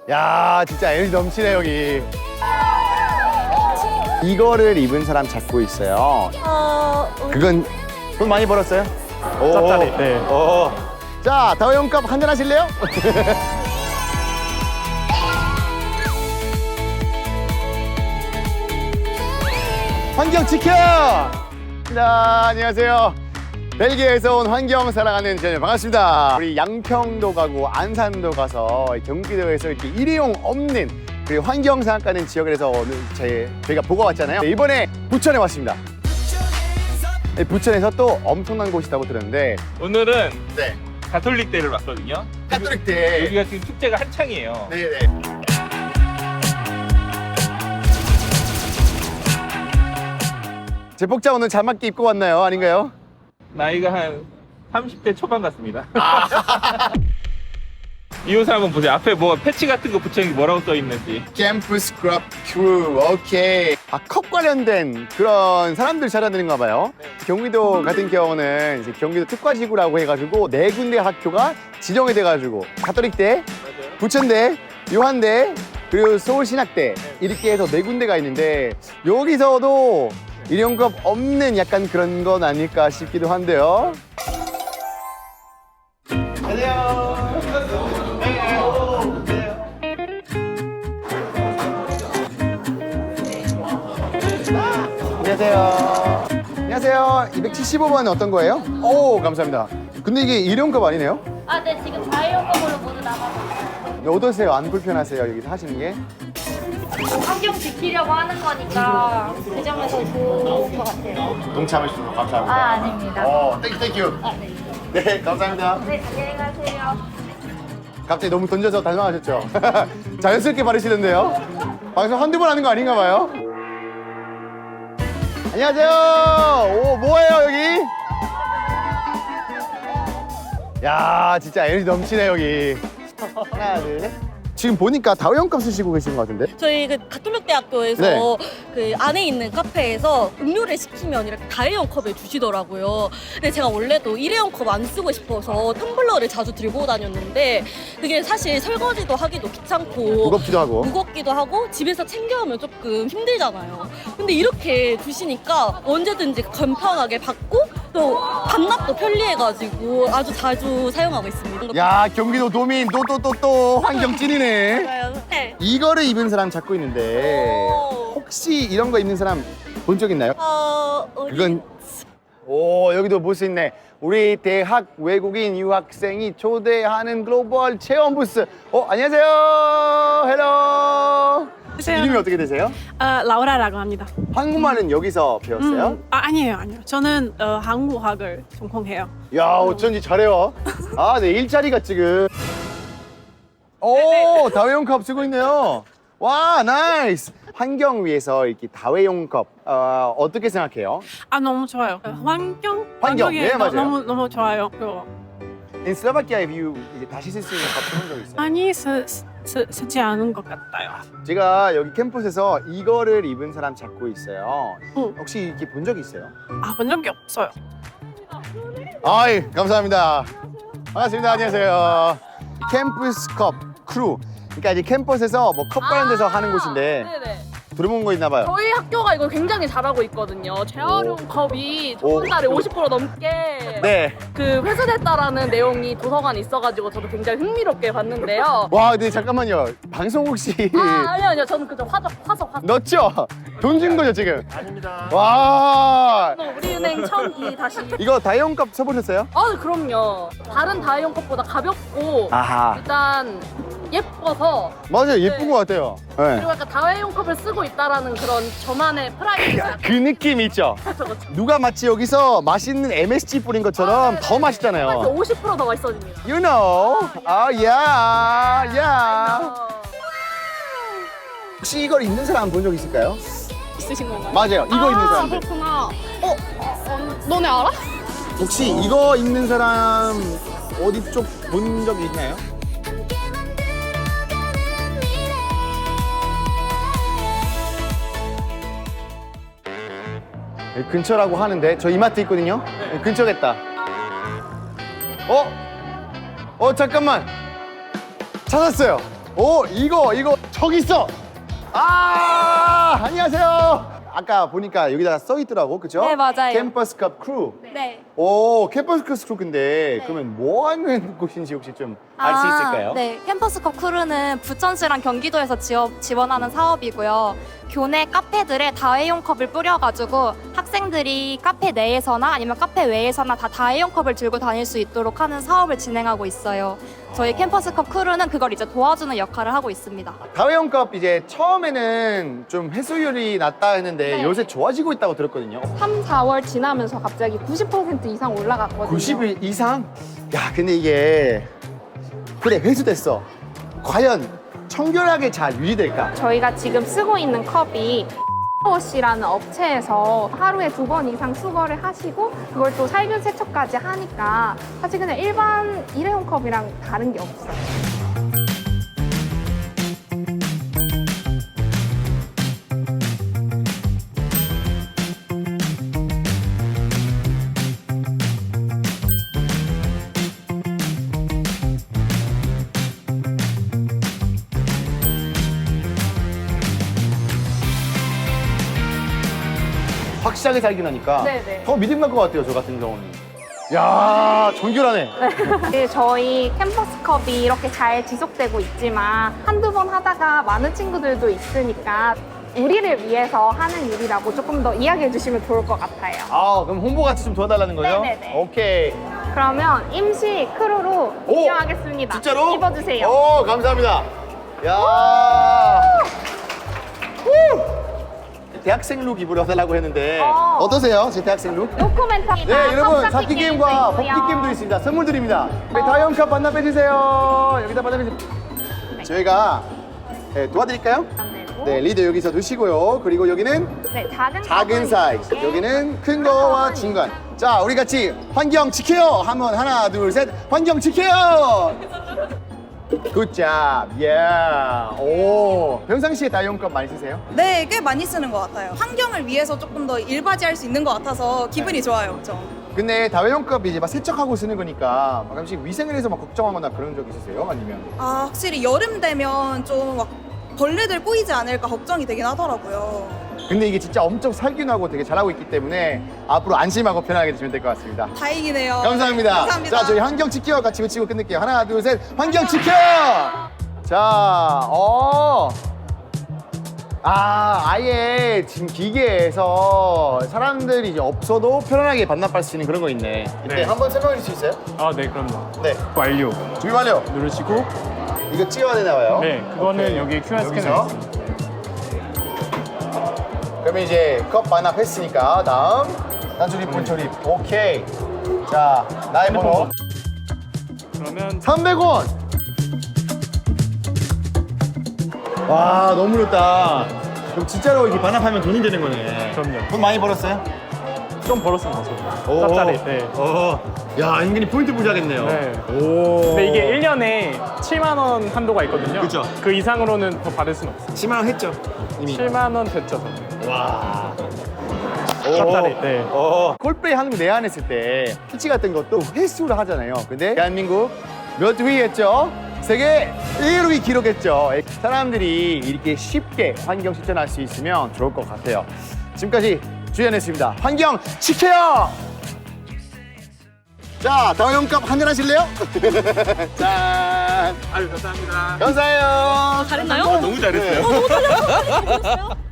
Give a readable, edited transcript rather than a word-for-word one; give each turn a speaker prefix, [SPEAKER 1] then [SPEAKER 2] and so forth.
[SPEAKER 1] 야, 진짜 에너지 넘치네, 여기. 이거를 입은 사람 찾고 있어요. 그건 돈 많이 벌었어요?
[SPEAKER 2] 짭짤이, 네.
[SPEAKER 1] 오. 자, 다회용값 한잔 하실래요? 환경 지켜! 자, 안녕하세요. 벨기에에서 온 환경 사랑하는 전현 반갑습니다. 우리 양평도 가고 안산도 가서 경기도에서 이렇게 일회용 없는 그리고 환경 생각하는 지역에서 오늘 저희가 보고 왔잖아요. 이번에 부천에 왔습니다. 부천에서 또 엄청난 곳이 있다고 들었는데
[SPEAKER 2] 오늘은
[SPEAKER 1] 네.
[SPEAKER 2] 가톨릭 대를 왔거든요.
[SPEAKER 1] 가톨릭 대.
[SPEAKER 2] 여기가 지금 축제가 한창이에요.
[SPEAKER 1] 네네. 제복자 오늘 잘 맞게 입고 왔나요? 아닌가요?
[SPEAKER 2] 나이가 한 30대 초반 같습니다. 이 옷을 한번 보세요. 앞에 뭐 패치 같은 거 붙여있는 게 뭐라고 써 있는지.
[SPEAKER 1] 캠프 스크럽 크루. 오케이. 컵 관련된 그런 사람들 찾아다니는가 봐요. 경기도 같은 경우는 이제 경기도 특화지구라고 해가지고 네 군데 학교가 지정이 돼가지고 가톨릭대, 부천대, 요한대, 그리고 서울신학대 이렇게 해서 네 군데가 있는데 여기서도 일용급 없는 약간 그런 건 아닐까 싶기도 한데요. 안녕하세요. 안녕하세요. 275번 어떤 거예요? 오, 감사합니다. 근데 이게 일용급 아니네요?
[SPEAKER 3] 아, 네, 지금 자유용품으로 모두 나가고
[SPEAKER 1] 어떠세요? 안 불편하세요? 여기서 하시는 게?
[SPEAKER 3] 환경 지키려고 하는 거니까 그 점에서 좋은 것 같아요.
[SPEAKER 1] 동참해 주셔서 감사합니다.
[SPEAKER 3] 아, 아닙니다.
[SPEAKER 1] 땡큐.
[SPEAKER 3] 아, 네.
[SPEAKER 1] 네, 감사합니다.
[SPEAKER 3] 네, 안녕히 가세요.
[SPEAKER 1] 갑자기 너무 던져서 당황하셨죠? 자연스럽게 바르시던데요? 방송 한두 번 하는 거 아닌가 봐요? 안녕하세요. 오, 뭐예요, 여기? 야, 진짜 에너지 넘치네, 여기. 하나, 둘, 셋. 지금 보니까 다회용값 쓰시고 계신 것 같은데?
[SPEAKER 4] 저희 그 가톨릭 대학교에서
[SPEAKER 1] 네.
[SPEAKER 4] 그 안에 있는 카페에서 음료를 시키면 이렇게 다회용 컵을 주시더라고요. 근데 제가 원래도 일회용 컵 안 쓰고 싶어서 텀블러를 자주 들고 다녔는데 그게 사실 설거지도 하기도 귀찮고
[SPEAKER 1] 무겁기도 하고.
[SPEAKER 4] 무겁기도 하고 집에서 챙겨오면 조금 힘들잖아요. 근데 이렇게 주시니까 언제든지 간편하게 받고 또 반납도 편리해가지고 아주 자주 사용하고 있습니다.
[SPEAKER 1] 야, 경기도 도민 또 환경 찐이네.
[SPEAKER 4] 네.
[SPEAKER 1] 이거를 입은 사람 찾고 있는데
[SPEAKER 4] 오.
[SPEAKER 1] 혹시 이런 거 입는 사람 본 적 있나요?
[SPEAKER 4] 어디?
[SPEAKER 1] 그건 오, 여기도 볼 수 있네. 우리 대학 외국인 유학생이 초대하는 글로벌 체험 부스. 안녕하세요. 헬로. 이름이 어떻게 되세요?
[SPEAKER 5] 라우라라고 합니다.
[SPEAKER 1] 한국말은 여기서 배웠어요?
[SPEAKER 5] 아니에요. 저는 한국학을 전공해요.
[SPEAKER 1] 야, 어쩐지 잘해요. 아, 네, 일자리가 지금. 오, 다회용컵 쓰고 있네요. 와, 나이스. 환경 위해서 이렇게 다회용컵 어떻게 생각해요?
[SPEAKER 5] 너무 좋아요. 환경?
[SPEAKER 1] 환경,
[SPEAKER 5] 환경이
[SPEAKER 1] 네, 맞아요.
[SPEAKER 5] 너무 좋아요. 그거.
[SPEAKER 1] In Slovakia, have you 이제 다시 쓸 수 있는 컵 써본 적 있어요?
[SPEAKER 5] 아니, 쓰지 않은 것 같아요.
[SPEAKER 1] 제가 여기 캠퍼스에서 이거를 입은 사람 찾고 있어요.
[SPEAKER 5] 응.
[SPEAKER 1] 혹시 이렇게 본 적 있어요?
[SPEAKER 5] 본 적이 없어요.
[SPEAKER 1] 아이, 감사합니다. 반갑습니다. 안녕하세요. 캠퍼스 컵 크루. 그러니까 이제 캠퍼스에서 뭐 컵 관련돼서 하는 곳인데
[SPEAKER 6] 네네.
[SPEAKER 1] 들어본 거 있나 봐요.
[SPEAKER 6] 저희 학교가 이거 굉장히 잘하고 있거든요. 재활용 컵이
[SPEAKER 1] 오.
[SPEAKER 6] 한 달에 50% 넘게
[SPEAKER 1] 네.
[SPEAKER 6] 그 회수됐다라는 내용이 도서관에 있어가지고 저도 굉장히 흥미롭게 봤는데요.
[SPEAKER 1] 와, 근데 잠깐만요. 방송 혹시
[SPEAKER 6] 아니요. 저는 그저 화석.
[SPEAKER 1] 넣었죠? 돈 준 거죠, 지금? 아닙니다. 와.
[SPEAKER 6] 우리은행 처음이 다시.
[SPEAKER 1] 이거 다이용컵 써보셨어요?
[SPEAKER 6] 그럼요. 다른 다이용 컵보다 가볍고
[SPEAKER 1] 아하.
[SPEAKER 6] 일단 예뻐서
[SPEAKER 1] 맞아요. 예쁜 것 같아요. 네.
[SPEAKER 6] 그리고 약간 다회용 컵을 쓰고 있다라는 그런 저만의 프라이드가
[SPEAKER 1] 그 느낌 있죠? 누가 마치 여기서 맛있는 MSG 뿌린 것처럼 더 맛있잖아요.
[SPEAKER 6] 50%더 맛있어집니다.
[SPEAKER 1] You know. 야. 혹시 이걸 입는 사람 본 적 있을까요?
[SPEAKER 5] 있으신 건가요?
[SPEAKER 1] 맞아요. 이거 입는 사람들.
[SPEAKER 5] 그렇구나. 너네 알아?
[SPEAKER 1] 혹시 이거 입는 사람 어디 쪽 본 적 있나요? 근처라고 하는데 저 이마트 있거든요. 근처겠다. 잠깐만. 찾았어요. 오, 이거 저기 있어. 아, 안녕하세요. 아까 보니까 여기다가 써 있더라고, 그죠?
[SPEAKER 3] 네, 맞아요.
[SPEAKER 1] 캠퍼스컵 크루.
[SPEAKER 3] 네.
[SPEAKER 1] 오, 캠퍼스컵 크루 근데 그러면 뭐 하는 곳인지 혹시 좀 알 수 있을까요?
[SPEAKER 3] 네, 캠퍼스컵 크루는 부천시랑 경기도에서 지원하는 사업이고요. 교내 카페들에 다회용 컵을 뿌려가지고 학생들이 카페 내에서나 아니면 카페 외에서나 다 다회용 컵을 들고 다닐 수 있도록 하는 사업을 진행하고 있어요. 저희 캠퍼스컵 크루는 그걸 이제 도와주는 역할을 하고 있습니다.
[SPEAKER 1] 다회용컵 이제 처음에는 좀 해수율이 낮다 했는데
[SPEAKER 3] 네.
[SPEAKER 1] 요새 좋아지고 있다고 들었거든요.
[SPEAKER 6] 3, 4월 지나면서 갑자기 90% 이상 올라갔거든요.
[SPEAKER 1] 90일 이상? 야, 근데 이게 그래 회수됐어. 과연 청결하게 잘 유지될까?
[SPEAKER 6] 저희가 지금 쓰고 있는 컵이 워시라는 업체에서 하루에 2번 이상 수거를 하시고 그걸 또 살균 세척까지 하니까 사실 그냥 일반 일회용 컵이랑 다른 게 없어요.
[SPEAKER 1] 확실하게 살균하니까
[SPEAKER 6] 네네.
[SPEAKER 1] 더 믿음 갈 것 같아요, 저 같은 경우는. 야, 정결하네.
[SPEAKER 6] 네, 저희 캠퍼스컵이 이렇게 잘 지속되고 있지만 한두 번 하다가 많은 친구들도 있으니까 우리를 위해서 하는 일이라고 조금 더 이야기해 주시면 좋을 것 같아요.
[SPEAKER 1] 아, 그럼 홍보 같이 좀 도와달라는 거죠?
[SPEAKER 6] 네네네.
[SPEAKER 1] 오케이.
[SPEAKER 6] 그러면 임시 크루로
[SPEAKER 1] 오!
[SPEAKER 6] 이용하겠습니다.
[SPEAKER 1] 진짜로?
[SPEAKER 6] 입어주세요.
[SPEAKER 1] 오, 감사합니다. 야. 후! 대학생 룩 입으러 달라고 했는데 어떠세요? 제 대학생 룩?
[SPEAKER 6] 노코멘터입니다.
[SPEAKER 1] 네, 여러분
[SPEAKER 6] 컵
[SPEAKER 1] 잡기 게임과
[SPEAKER 6] 게임도
[SPEAKER 1] 뽑기
[SPEAKER 6] 있고요.
[SPEAKER 1] 게임도 있습니다. 선물 드립니다. 네, 다이언컵 반납해주세요. 여기다 반납해주세요. 저희가 도와드릴까요? 네, 리더 여기서 두시고요. 그리고 여기는
[SPEAKER 6] 네, 작은
[SPEAKER 1] 작은
[SPEAKER 6] 컵은
[SPEAKER 1] 사이즈,
[SPEAKER 6] 이렇게.
[SPEAKER 1] 여기는 큰 거와 중간. 자, 우리 같이 환경 지켜요. 한번 하나, 둘, 셋. 환경 지켜요. 굿잡. 예. 오. 평상시에 다이언컵 많이 쓰세요?
[SPEAKER 7] 네, 꽤 많이 쓰는 것 같아요. 환경을 위해서 조금 더 일바지할 수 있는 것 같아서 기분이 좋아요, 엄청.
[SPEAKER 1] 근데 다회용컵 이제 막 세척하고 쓰는 거니까 가끔씩 위생에 대해서 막 걱정하거나 그런 적 있으세요? 아니면?
[SPEAKER 7] 아, 확실히 여름 되면 좀 막 벌레들 꼬이지 않을까 걱정이 되긴 하더라고요.
[SPEAKER 1] 근데 이게 진짜 엄청 살균하고 되게 잘하고 있기 때문에 앞으로 안심하고 편하게 드시면 될 것 같습니다.
[SPEAKER 7] 다행이네요.
[SPEAKER 1] 감사합니다.
[SPEAKER 7] 감사합니다.
[SPEAKER 1] 자, 저희 환경 지켜 같이 외치고 끝낼게요. 하나, 둘, 셋. 환경 지켜! 자, 아예 지금 기계에서 사람들이 이제 없어도 편안하게 반납할 수 있는 그런 거 있네. 이때
[SPEAKER 8] 네.
[SPEAKER 1] 한번 설명해 줄 수 있어요?
[SPEAKER 8] 아, 네, 그럼요.
[SPEAKER 1] 네.
[SPEAKER 8] 완료
[SPEAKER 1] 준비 완료.
[SPEAKER 8] 누르시고,
[SPEAKER 1] 이거 찍어야 되나 봐요?
[SPEAKER 8] 네, 그거는
[SPEAKER 1] 오케이.
[SPEAKER 8] 여기 QR 스캐너
[SPEAKER 1] 여기서?
[SPEAKER 8] 있습니다.
[SPEAKER 1] 그러면 이제 컵 반납했으니까 다음 단조립, 분조립. 오케이. 자, 나의 번호
[SPEAKER 8] 그러면
[SPEAKER 1] 300원. 와, 너무 좋다. 그럼 진짜로 이렇게 반납하면 돈이 되는 거네.
[SPEAKER 8] 그럼요.
[SPEAKER 1] 돈 많이 벌었어요?
[SPEAKER 8] 좀 벌었습니다, 저도.
[SPEAKER 1] 오.
[SPEAKER 8] 짭짤해. 네.
[SPEAKER 1] 야, 은근히 포인트 부자겠네요.
[SPEAKER 8] 네.
[SPEAKER 1] 오.
[SPEAKER 8] 근데 이게 1년에 7만 원 한도가 있거든요.
[SPEAKER 1] 그쵸.
[SPEAKER 8] 그 이상으로는 더 받을 수는 없어요.
[SPEAKER 1] 10만 원 했죠? 이미.
[SPEAKER 8] 7만 원 됐죠, 저는.
[SPEAKER 1] 와.
[SPEAKER 8] 짭짤해. 네.
[SPEAKER 1] 콜플레이 한국 내한했을 때 피치 같은 것도 횟수로 하잖아요. 근데 대한민국 몇 위 했죠? 세계 1위 기록했죠. 사람들이 이렇게 쉽게 환경 실천할 수 있으면 좋을 것 같아요. 지금까지 주연했습니다. 환경 지켜요! 자, 다용값 한잔 하실래요? 짠!
[SPEAKER 2] 아유 감사합니다.
[SPEAKER 1] 감사해요.
[SPEAKER 4] 잘했나요?
[SPEAKER 2] 너무 잘했어요.
[SPEAKER 4] 너무 잘했어요.